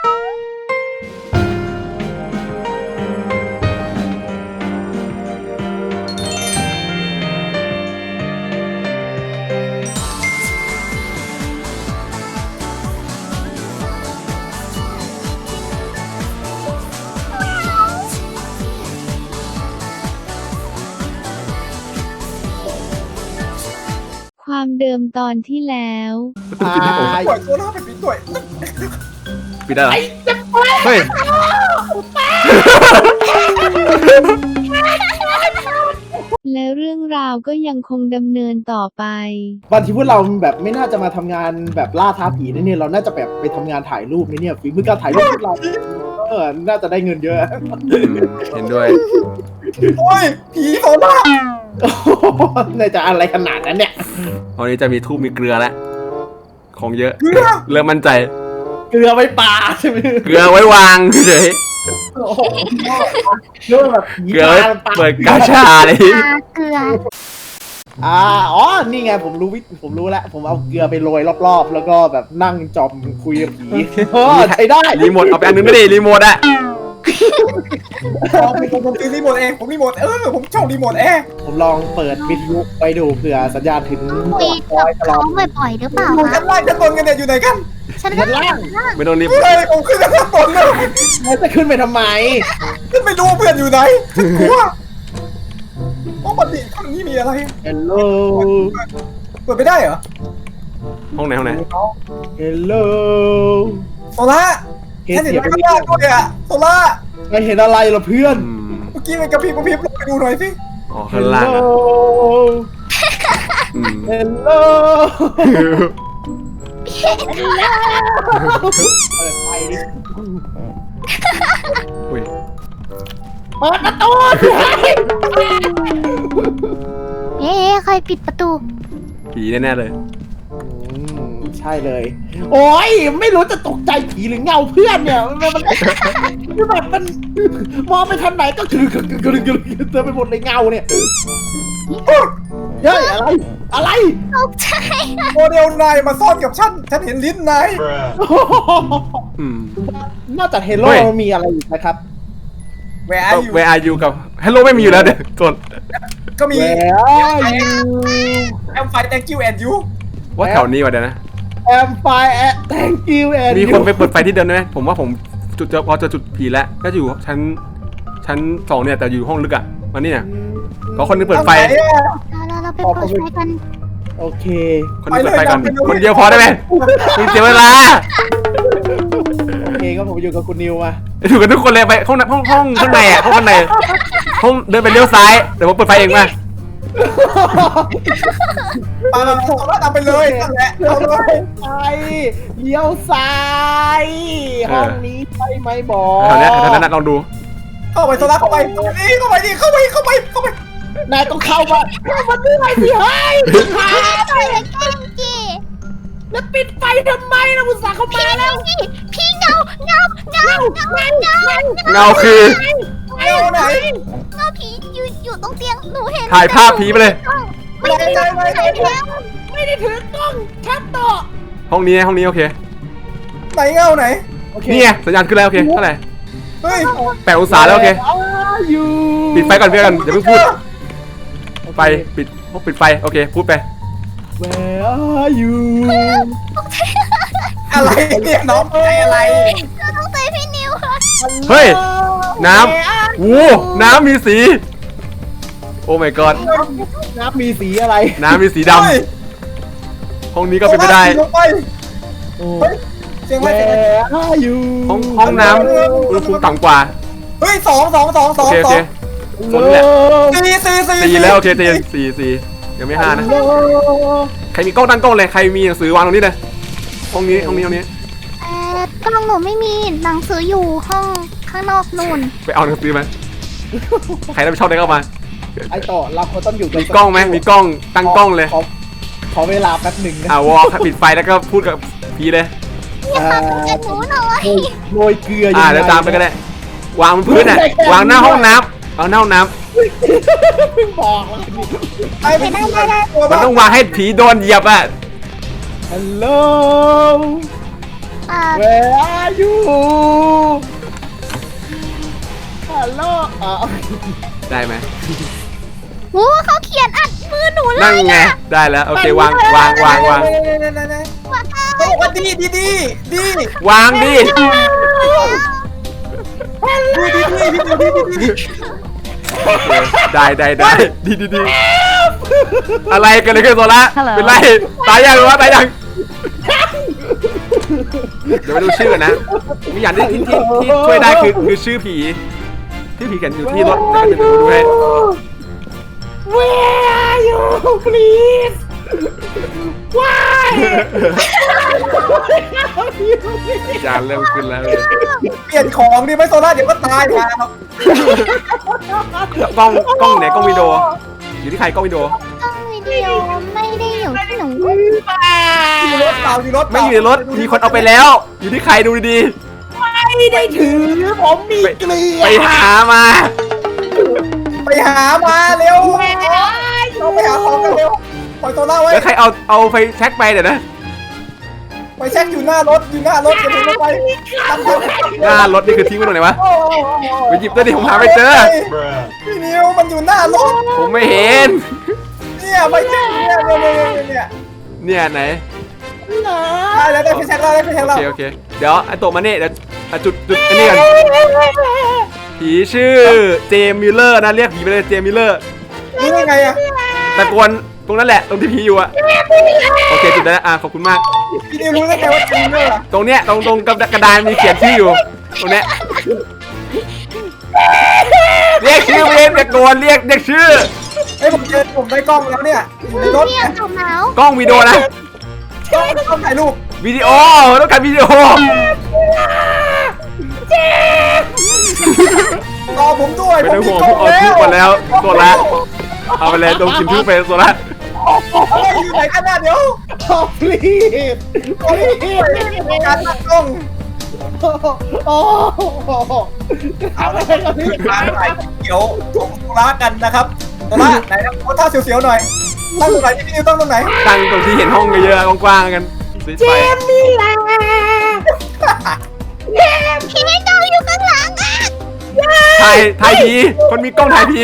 ความเดิมตอนที่แล้วปิดให้ผมป่วยตัวหน้าเป็นปีต่วยปิดได้เหรอเฮ้ยและเรื่องราวก็ยังคงดำเนินต่อไปบางทีพวกเราแบบไม่น่าจะมาทำงานแบบล่าท้าผีนะเนี่ยเราน่าจะแบบไปทำงานถ่ายรูปนะเนี่ยฝีมือการถ่ายรูปพวกเราน่าจะได้เงินเยอะเห็นด้วยโอ้ยผีโซล่าน่าจะอะไรขนาดนั้นเนี่ยตอนนี้จะมีทูบมีเกลือแล้วของเยอะเริ่มมั่นใจเกลือไว้ปลาใช่ไหมเกลือไว้วางเฉยโอ้โหเรื่องแบบผีเกลือไว้เปิดกาชาเลยเกลืออ๋อนี่ไงผมรู้แล้วผมเอาเกลือไปโรยรอบๆแล้วก็แบบนั่งจอมคุยกับผีใช้ได้รีโมทเอาไปอันนึงไม่ได้รีโมทอะผมซื้อรีโมทเองผมรีโมทผมชอบรีโมทแอร์ผมลองเปิดวิทยุไปดูเผื่อสัญญาณถึงคุยกับเขาบ่อยๆหรือเปล่าชั้นล่างชั้นบนกันเนี่ยอยู่ไหนกันฉันชั้นล่างไม่ต้องรีบเฮ้ยผมขึ้นชั้นบนเลยแล้วจะขึ้นไปทำไมขึ้นไปดูเพื่อนอยู่ไหนฉันกลัวโอ้บัดนี้ข้างนี้มีอะไร Hello เปิดไม่ได้เหรอห้องไหน Hello โซล่าฉันเห็นข้างล่างด้วยอะโซล่าไม่เห็นอะไรเหรอเพื่อนเมื่อกี้มันกระพริบลงไปดูหน่อยสิอ๋อข้างล่างอะ Hello เปิดไฟดิอุ้ยเปิดประตูเอ๊ะใครปิดประตูผีแน่ๆเลยใช่เลย โอ้ยไม่รู้จะตกใจผีหรือเงาเพื่อนเนี่ยมันแบบมันมองไปทางไหนก็คือเต็มไปหมดเลยเงาเนี่ยเฮ้ยอะไรตกใจโมเดลนายมาซ่อนกับฉันเห็นลิ้นนายนอกจากเฮโร่มีอะไรอีกนะครับแหวะอยู่ Where are you กับ Hello ไม่มีอยู่แล้วเดี๋ยวส่วนก็มี Where are you แอมไฟ thank you and you ว่าแถวนี้วะเดี๋ยวนะ I'm fine thank you and มีคนไปเปิดไฟที่เดิมไหมผมว่าผมพอจะจุดผีแล้วก็อยู่ชั้น2เนี่ยแต่อยู่ห้องลึกอ่ะมานี่เนี่ยขอคนนึงเปิดไฟเราไปเปิดไฟกันโอเคคนนึงเปิดไฟก่อนคนเดียวพอได้ไหมมีเสียเวลาโอเคก็ผมอยู่กับคุณนิวมาอยู่กันทุกคนเลยไปห้องข้างในอ่ะห้องข้างในห้องเดินไปเลี้ยวซ้ายเดี๋ยวผมเปิดไฟเองมาตามไปเลยนั่นแหละเอาเลยไปเลี้ยวซ้ายห้องนี้ใช่ไหมบอแถวนั้นลองดูเข้าไปโซล่าเข้าไปนี่เข้าไปดิเข้าไปเข้าไปนายต้องเข้ามาด้วยสิเฮ้ยเปิดเลยกันจีแล้วปิดไฟทำไมนะคุณสาเข้ามาแล้วพี่เงาเงาคือเอาไหนเงาผีอยู่ตรงเตียงหนูเห็นถ่ายภาพผีไปเลยไม่ได้ถ่ายแล้วไม่ได้ถือกล้องชัดต่อห้องนี้โอเคไหนเงาไหนนี่ไงสัญญาณขึ้นแล้วโอเคเท่าไหร่เฮ้ย 8 องศาแล้วโอเคอยู่ปิดไฟก่อนเพื่อนอย่าเพิ่งพูดไฟปิดไฟโอเคพูดไป Where are you อะไรเนี่ยน้องใจอะไรเราต้องเตะพี่นิวเฮ้ยน้ำโอ้น้ำมีสี โอ้ my god น้ำมีสีอะไรน้ำมีสีดำห้องนี้ก็เป็นไปได้ลงไปเฮ้ยเสียงอะไร Where are you ห้องน้ำอุณหภูมิต่ำกว่าเฮ้ยสองโอเคฝนแหละสี่ 4แล้วโอเคเจน4ยังไม่5นะใครมีกล้องตั้งกล้องเลยใครมีหนังสือวางตรงนี้เลยห้องนี้กล้องหนูไม่มีหนังสืออยู่ห้องข้างนอกนู่นไปเอาหนังสือมาใครรับผิดชอบได้เข้ามาไอต่อเราต้องอยู่กันมีกล้องไหมมีกล้องตั้งกล้องเลยขอเวลาแป๊บหนึ่งนะวอลปิดไฟแล้วก็พูดกับพีเลยกับหนูหน่อยโรยเกลือเดี๋ยวตามไปก็ได้วางบนพื้นอ่ะวางหน้าห้องน้ำเอาหน้าห้องน้ำบอกแล้วไอ้ไม่ได้มันต้องวางให้ผีโดนเหยียบอ่ะฮัลโหล Where are you ฮัลโหลได้ไหมโอ้เขาเขียนอัดมือหนูเลยนั่งไงได้แล้วโอเควางเขาบอกว่าดีวางดิได้ดีอะไรกันเลยคือโซล่าเป็นไรตายยังหรือว่าตายยังเดี๋ยวไปดูชื่อกันนะมีอย่างที่ช่วยได้คือชื่อผีที่ผีเขียนอยู่ที่รถจะเป็นดูให้ Where are you please Why จานเริ่มขึ้นแล้วเปลี่ยนของดิไม่โซล่าเดี๋ยวก็ตายครับกล้องไหนกล้องวิดีโออยู่ที่ใครกล้องวิดีโอกล้องวิดีโอไม่ได้อยู่ที่หนูอยู่รถเปล่าอยู่รถไม่อยู่ในรถมีคนเอาไปแล้ว อยู่ที่ใครดูดีไม่ได้ถือผมมีเกลือๆไปหามาเร็วเราไปหาของกันเร็วปล่อยโซล่าไว้แล้วใครเอาไฟแช็กไปเดี๋ยวนะไปเช็คอยู่หน้ารถอย่าถึงไปหน้ารถนี่คือทิ้งไว้ตรงไหนวะไปหยิบตัวดิผมหาไม่เจอพี่นิวมันอยู่หน้ารถผมไม่เห็นเนี่ยไปเช็คเนี่ยเนี่ยไหนได้แล้วได้ไปเช็คแล้วโอเคเดี๋ยวไอ้ตัวมาเนี่ยเดี๋ยวจุดอันนี้กันผีชื่อเจมส์มิลเลอร์นะเรียกผีไปเลยเจมส์มิลเลอร์นี่ยังไงอะตะโกนตรงนั้นแหละตรงที่ผีอยู่อะโอเคจุดได้แล้วขอบคุณมากพี่นิวรู้ได้ไงว่าจริงด้วยตรงเนี้ยตรงกระดานมีเขียนชื่ออยู่ตรงเนี้ยเรียกชื่อเองตะโกนเรียกชื่อไอ้ผมเจอผมได้กล้องแล้วเนี่ยอยู่ในรถเนี่ยจมแล้วกล้องวิดีโอนะกล้องถ่ายรูปวิดีโอต้องการวิดีโอรอผมด้วยไม่ต้องห่วงผมเอาทูบมาแล้วโซล่าเอาไปเลยตรงกินทูบไปโซล่าอยู่ไหนกันนะเดี๋ยว please การตั้งกล้องโอ้ทำอะไรกันนี่การถ่ายเขียวชมโซล่ากันนะครับโซล่าไหนนะโพสท่าเสียวๆหน่อยตั้งตรงไหนพี่นิวตั้งตรงไหนตั้งตรงที่เห็นห้องเยอะๆกว้างๆกันเจมมี่ลาพี่เจ้าอยู่ข้างหลังอ่ะถ่ายผีคนมีกล้องถ่ายผี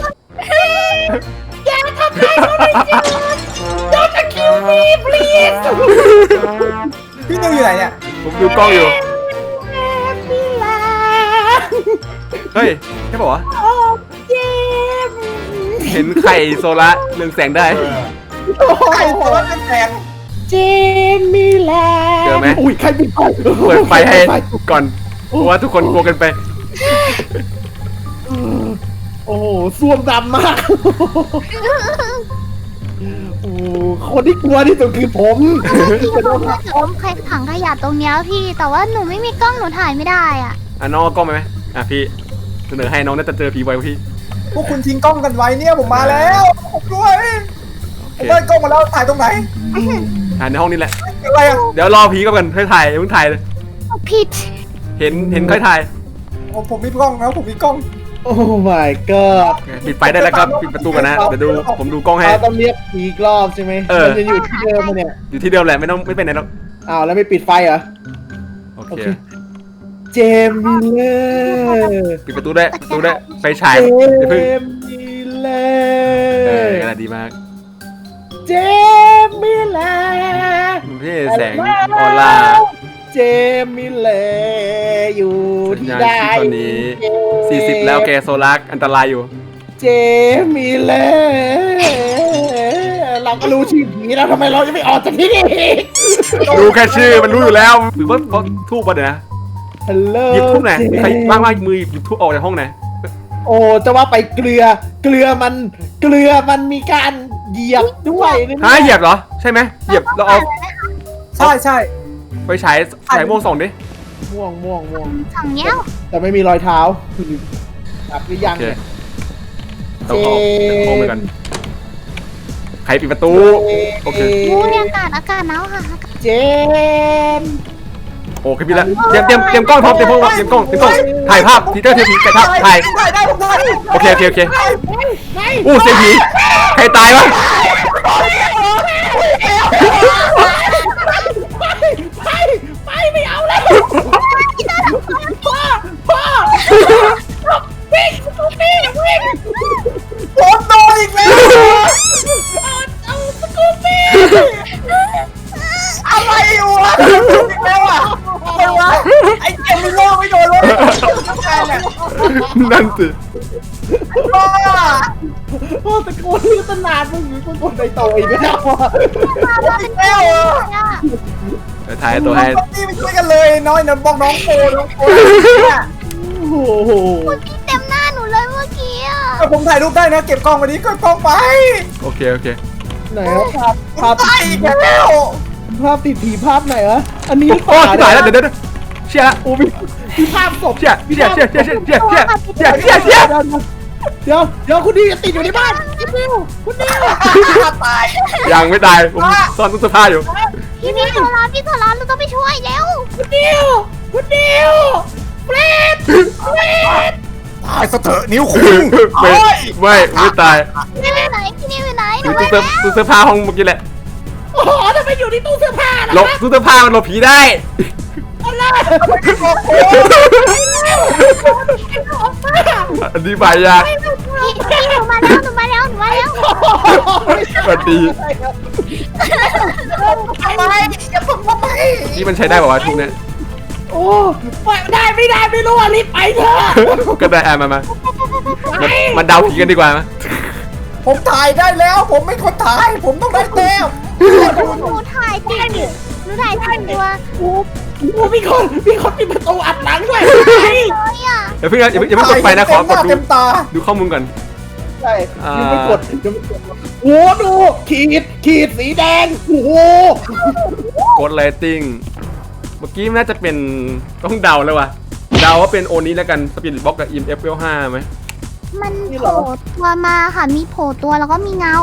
อย่าทำร้ายเขาเลยเจมส์ Don't kill me please พี่นิวอยู่ไหนเนี่ยผมดูกล้องอยู่มี่ลาเฮ้ยใช่ป่าวะโอ้เจมส์เห็นไข่โซล่าเรืองแสงได้ไข่โซล่าเป็นแสงเจมมี่ลาเจอไหมอุ้ยใครปิดไฟเปิดไฟให้ก่อนเพราะว่าทุกคนกลัวกันไปโอ้โหซ่วมดำมากโอ้คนที่กลัวที่สุดคือผมผมใครถังขยะตรงเนี้ยพี่แต่ว่าหนูไม่มีกล้องหนูถ่ายไม่ได้อ่ะน้องเอากล้องไปไหมพี่เสนอให้น้องน่าจะเจอผีไวกว่าพี่พวกคุณทิ้งกล้องกันไว้เนี่ยผมมาแล้วผมด้วยผมได้กล้องมาแล้วถ่ายตรงไหนถ่ายในห้องนี้แหละอะไรอ่ะเดี๋ยวรอผีก่อนค่อยถ่ายเพิ่งถ่ายเลยผิดเห็นค่อยถ่ายผมมีกล้องนะผมมีกล้องโอ้ my god ปิดไฟได้แล้วครับปิดประตูกันนะเดี๋ยวดูผมดูกล้องให้เราต้องเรียกผีอีกรอบใช่ไหมเออมันจะอยู่ที่เดิมมาเนี่ยอยู่ที่เดิมแหละไม่ไปไหนหรอกอ้าวแล้วไม่ปิดไฟเหรอโอโอเคเค เจมส์มิลเลอร์ปิดประตูได้ไฟฉายเจเดี๋ยวเพิ่งมส์มิลเลอกระดาร์ษดีมากเจมส์มิลเลอร์พี่แสงออร่าเจมส์มิลเลอร์อยู่สัญที่ญาณใดที่ตอนนี้40แล้วแกโซลาร์อันตรายอยู่เจมส์มิลเลอร์เราก็รู้ชื่อผีแล้วทำไมเราจะไม่ออกจากที่นี่ดูแค่ชื่อมันรู้อยู่แล้วหรือว่าเขาทูบมาเดี๋ยวนะฮัลโหลหยิบทูบไหนมีใครว่างมือหยิบทูบออกจากห้องไหนโอ้จะว่าไปเกลือมันมีการเหยียบด้วยนะฮะเหยียบเหรอใช่ไหมเหยียบเราเอาใช่ไปฉายม่วงส่องดิม่วงฝั่งเนี้ยแต่ไม่มีรอยเท้าจับหรือยังโอเคเนี่ยต้องเอาห้องไปกันใครปิดประตูโอเคอู้ยอากาศหนาวค่ะเจมส์โอเคพี่ละเตรียมกล้องพร้อมเตรียมกล้องถ่ายภาพทีเตอร์ทีถ่ายภาพถ่ายได้ผมได้โอเคอู้เสียงผีใครตายวะไปไม่เอานั่นสิบ้าโอ้ตะโกนเรียกตั้งนานมึงตะโกนในโตอีกแล้วอะแล้วเดี๋ยวถ่ายตัวให้นี่ไม่ช่วยกันเลยน้อยนะบอกน้องโปเนี่ยโอ้โหพี่เต็มหน้าหนูเลยเมื่อกี้อ่ะผมถ่ายรูปได้นะเก็บกล้องวันนี้ก็กล้องไปโอเคโอเคไหนวะภาพไปอีกแล้วภาพติดผีภาพไหนวะอันนี้โอ้ถ่ายแล้วเดี๋ยวเชี่ยละโอ้มีภาพศพเชี่ยเดี๋ยวคุณดิวติดอยู่ในบ้านคุณดิวตายยังไม่ตายผมซ่อนตู้เสื้อผ้าอยู่พี่โซลาเราต้องไปช่วยแล้วคุณดิวเฟรดตายซะเถอะนิ้วคุไม่ตายพี่นิวอยู่ไหนพี่นิวอยู่ไหนหอนูยู่ไปตู้แล้วเสื้อผ้าห้องเมื่อกี้แหละโอ้โหทำไมอยู่ในตู้เสื้อผ้าล่ะหลบตู้เสื้อผ้ามันหลบผีได้อันนี้ใบยากพี่หนูมาแล้วสวัสดีทำไมอย่าเพิ่งมาไปที่มันใช้ได้ป่าวะทุกเนี้ยโอ้ได้ไม่รู้อ่ะรีบไปเถอะก็ได้มาเดาผีกันดีกว่ามั้ยผมถ่ายได้แล้ว ผมไม่คนถ่าย ผมต้องได้แต้มหนูถ่ายติดหนูถ่ายติดตัวโอ้มีคนปิดประตูอัดหลังด้วยเลยอ่ะอย่าเพิ่งกดไปนะขอกดเต็มตาดูข้อมูลก่อนใช่ยังไม่กดโอ้ดูขีดสีแดงโอ้โหกดเรตติ้งเมื่อกี้น่าจะเป็นต้องเดาแล้วว่ะเดาว่าเป็นโอนี้แล้วกันสปิริตบ็อกกับ EMF 5ไหมมันโผล่ตัวมาค่ะมีโผล่ตัวแล้วก็มีเงา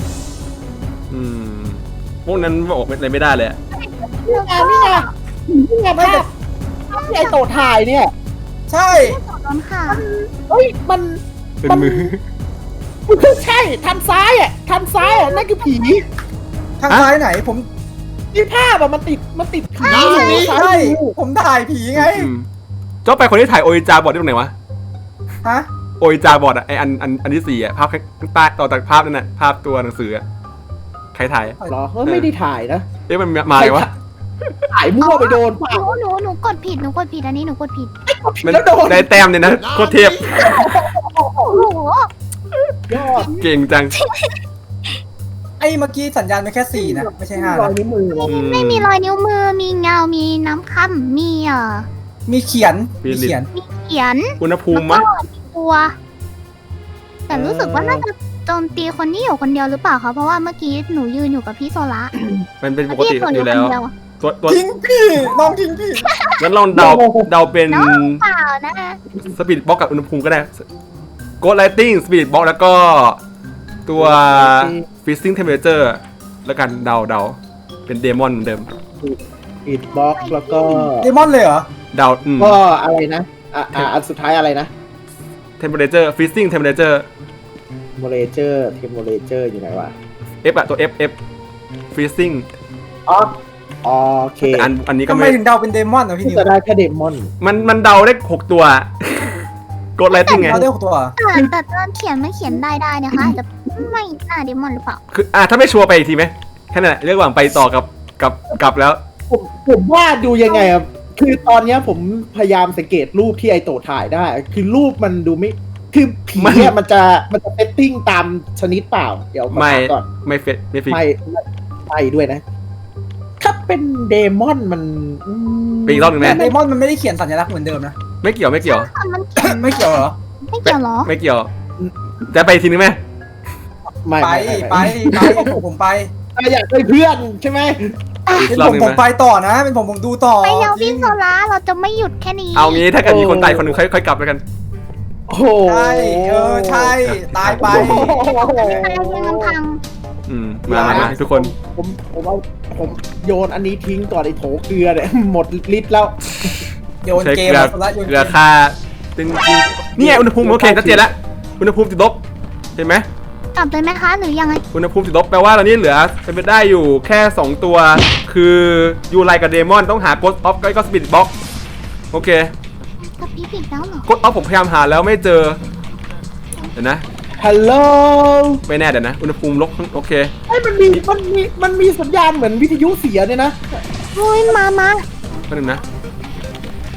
พวกนั้นบอกอะไรไม่ได้เลยนี่ไงภาพที่ไอโตถ่ายเนี่ยใช่โดนค่ะเฮ้ยมันเป็นมือใช่ทางซ้ายอ่ะนั่นคือผีทางซ้ายไหนผมที่ภาพอ่ะมันติดผีใช่ผมถ่ายผีไงเจ้าไปคนที่ถ่ายโออิจาบอร์ดได้ตรงไหนวะฮะโออิจาบอร์ดอะไออันที่4อะภาพข้างใต้ต่อจากภาพนั่นน่ะภาพตัวหนังสืออะใครถ่ายเหรอไม่ได้ถ่ายนะมันมาไงวะถ่ายมั่วไปโดนเปล่าหนูกดผิดอันนี้หนูกดผิดมันแล้วโดนได้แต้มเนี่ยนะโคตรเทพโอ้โหยอดเก่งจังไอ้เมื่อกี้สัญญาณไม่แค่4นะไม่ใช่5 รอยนะนิ้วมือไม่มีรอยนิ้วมือมีเงา มีน้ำค่ำมีมีเขียนมีเขียนอุณหภูมิแล้วมั้ยก็ตัว แต่รู้สึกว่าน่าจะโจมตีคนนี้อยู่คนเดียวหรือเปล่าคะเพราะว่าเมื่อกี้หนูยืนอยู่กับพี่โซล่ามันเป็นปกติอยู่แล้วตัวทิ้งพี่น้องทิ้งพี่งั้นลองเดาเป็นน้องเปล่านะสปีดบ็อกกับอุณหภูมิก็ได้โกดไลติ้งสปีดบ็อกแล้วก็ตัวฟิซซิ่งเทมเพอเรเจอร์แล้วกันเดาเป็นเดมอนเหมือนเดิมปิดบล็อกแล้วก็เดมอนเลยเหรอเดาก็อะไรนะอันสุดท้ายอะไรนะเทมเพอเรเจอร์ฟิซซิ่งเทมเพอเรเจอร์เทมโมเลเจอร์อยู่ไหนวะ F อะตัว F ฟิซซิ่งอ๋อโอเคแต่อันนี้ก็ทำไมไม่ถึงเดาเป็นเดมอนอ่ะพี่นิวจะได้แค่เดมอนมันเดาได้6ตัวโกดไลติ้งไงเราได้6ตัวแต่ตอนเขียนมันเขียนได้นะคะอาจจะไม่น่าเดมอนหรือเปล่าคือถ้าไม่ชัวร์ไปอีกทีไหมแค่นั้นแหละเรื่องหวังไปต่อกับแล้วผมว่าดูยังไงอ่ะคือตอนเนี้ยผมพยายามสังเกตรูปที่ไอโตถ่ายได้ คือรูปมันดูไม่คือผีเนี่ยมันจะเซตติ้งตามชนิดเปล่าเดี๋ยวก่อนไม่ฟิกไม่ด้วยนะ ถ้าเป็นเดมอนมันเป็นอีกรอบหนึ่งไหมแต่เดมอนมันไม่ได้เขียนสัญลักษณ์เหมือนเดิมนะไม่เกี่ยวมันเขียนไม่เกี่ยวเหรอไม่เกี่ยวเหรอไม่เกี่ยวจะไปอีกทีนึงไหมไม่ไปผมไปอยากเป็นเพื่อนใช่ไหมอีกเป็นรอบผมหนึ่งผมไหมไปต่อนะ เป็นผมดูต่อไปแล้วพี่โซล่าเราจะไม่หยุดแค่นี้เอางี้ถ้าเกิดมีคนตายคนหนึ่งค่อยกลับแล้วกันโอ้โหใช่ใช่ตายไปตายยังลำพังมาทุกคนผมโยนอันนี้ทิ้งก่อนไอ้โถเกลือเนี่ยหมดลิตรแล้วโยนใช้เกเกมลือละโยนเกเกลือมค่าตึงนี่ไงอุณหภูมิโอเคชัดเจนแล้วอุณหภูมิติดลบเห็นไหมกลับเลยไหมคะหรือยังไงอุณหภูมิติดลบแปลว่าตอนนี้เหลือเป็นไปได้อยู่แค่2ตัวคือยูไลกับเดมอนต้องหาโกสต์ออฟก็สปิริตบ็อกโอเคกับพี่ผิดแล้วเหรอโกสต์ออฟผมพยายามหาแล้วไม่เจอเดี๋ยวนะฮัลโหลไม่แน่เดี๋ยวนะอุณหภูมิลบโอเคไอ้มันมีสัญญาณเหมือนวิทยุเสียเนี่ยนะโอ้ยมาแป๊บนึงนะ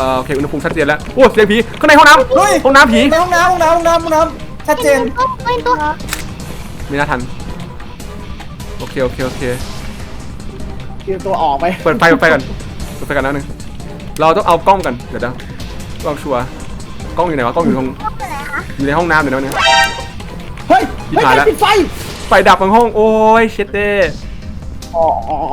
โอเคอุณหภูมิชัดเจนแล้วโอ้เสียงผีข้างในห้องน้เฮ้ยำห้องน้ำผีในห้องน้ำชัดเจนเป็นตัวไม่น่าทันโอเคเตรียมตัวออกไปเปิดไฟก่อนนะนึงเราต้องเอากล้องกันเดี๋ยวกล้องชัวร์กล้องอยู่ไหนวะกล้องอยู่อยู่ในห้องน้ำเดี๋ยวนะเนี่ยเฮ้ยชิบหายแล้วปิดไฟไฟดับทั้งห้องโอ้ยเช็ดเด้อ๋อ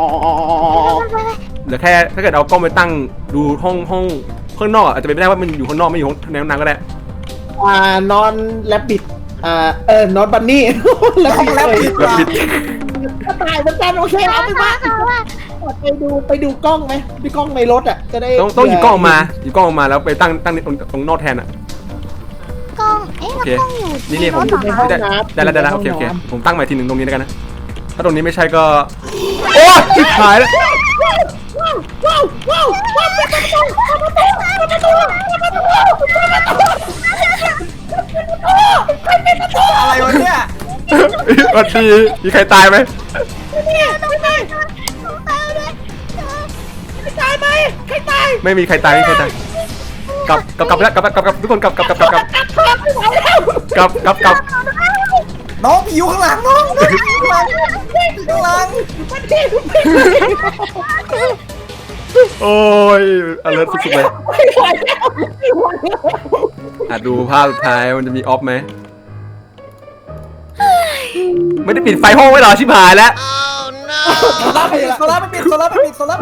เหลือแค่ถ้าเกิดเอากล้องไปตั้งดูห้องข้างนอกอาจจะเป็นไม่ได้ว่ามันอยู่ข้างนอกไม่อยู่ในห้องน้ำก็ได้นอนแลบบิดนอนบันนี่ห้องแลบปิดแล้วปิดก็ตายเหมือนกันโอเคเอาไปว่าไปดูกล้องไหมพี่กล้องในรถอ่ะจะได้ต้องหยิบกล้องออกมาแล้วไปตั้งตรงนอกแทนอ่ะกล้องแล้วกล้องอยู่นี่ผมรถเหรอคะได้โอเคผมตั้งใหม่ทีหนึ่งตรงนี้แล้วกันนะถ้าตรงนี้ไม่ใช่ก็โอ้ชิบหายแล้วอะไรวะเนี่ยวันดีมีใครตายไหมตายไหมใครตายไม่มีใครตายกลับแล้วทุกคนกลับน้องผีอยู่ข้างหลังน้องข้างหลังโอ้ยalert สุดๆเลยดูภาพสุดท้ายมันจะมีออฟไหมไม่ได้ปิดไฟห้องไว้หรอชิบหายแล้วโซล่าไม่ปิดนั่นแหละโซล่า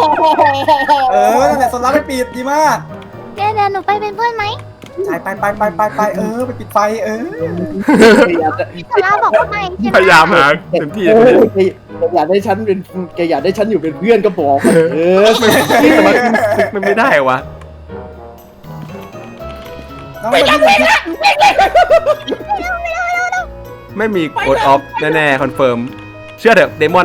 ไม่ปิดดีมากเดี๋ยวหนูไปเป็นเพื่อนไหมไปไปปิดไฟซาร่าบอกว่าไม่ใช่ไหมพยายามหาเต็มที่อยากได้ฉันเป็นแกอยากได้ฉันอยู่เป็นเพื่อนก็บอกมันไม่ได้วะน้องไม่มีกดออฟแน่ๆคอนเฟิร์มเชื่อเถอะเดมอน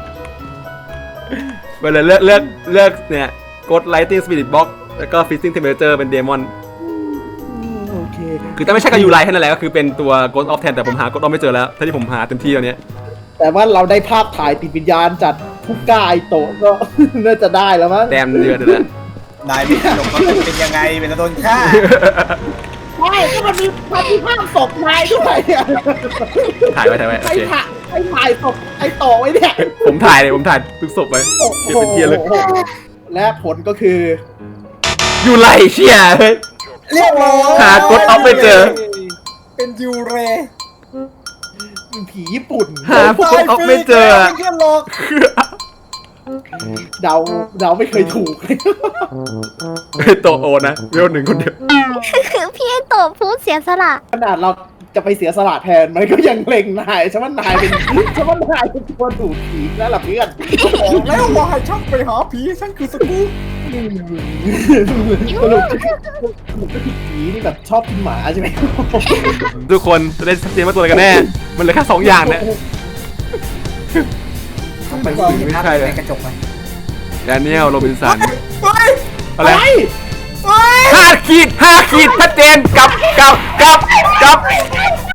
เวลาเลือกเนี่ยกด Lighting Spirit Box แล้วก็ Freezing Temperature เป็นเดมอนโอเคคือถ้าไม่ใช่กับยูไลแค่นั้นแหละก็คือเป็นตัว Ghost of แทนแต่ผมหา Ghost of ไม่เจอแล้วถ้าที่ผมหาเต็มที่ตอนนี้แต่ว่าเราได้ภาพถ่ายติดวิญญาณจัดผู้กล้าไอโตะก็ น่าจะได้แล้วมั้งแต้มเดือดเลยนายไม่หลงมันเป็นยังไงเป็นโดนฆ่าใช่ก็มันมีภาพศพนายด้วยถ่ายไว้โอเคถ่ายศพไอโตะไว้เนี่ยผมถ่ายทุกศพไว้เก็บเป็นเทียร์เลยและผลก็คือยูไลเชี่ยเฮ้ยเรียบร้อยหา Ghost of ไม่เจอเป็นยูเรผีญี่ปุ่นหา Ghost of ไม่เจอเพื่อนหลอกเดาไม่เคยถูกโตโอนะเวลหนึ่งคนเดียวคือพี่โตพูดเสียสละขนาดเราจะไปเสียสละแทนมันก็ยังเล็งนายฉันว่านายเป็นตัวถูกผีแล้วล่ะเพื่อนบอกแล้วว่าให้ช่างไปหาผีฉันคือสกู๊ปสรุปผีนี่แบบชอบกินหมาใช่ไหมทุกคนจะได้ชัดเจนว่าตัวอะไรกันแน่ มันเหลือแค่2อย่างเนี่ยมันก็มีภาพในกระจกไหมแดเนียลโรบินสันเฮ้ยอะไรเฮ้ย 5 ขีดชัดเจนกับ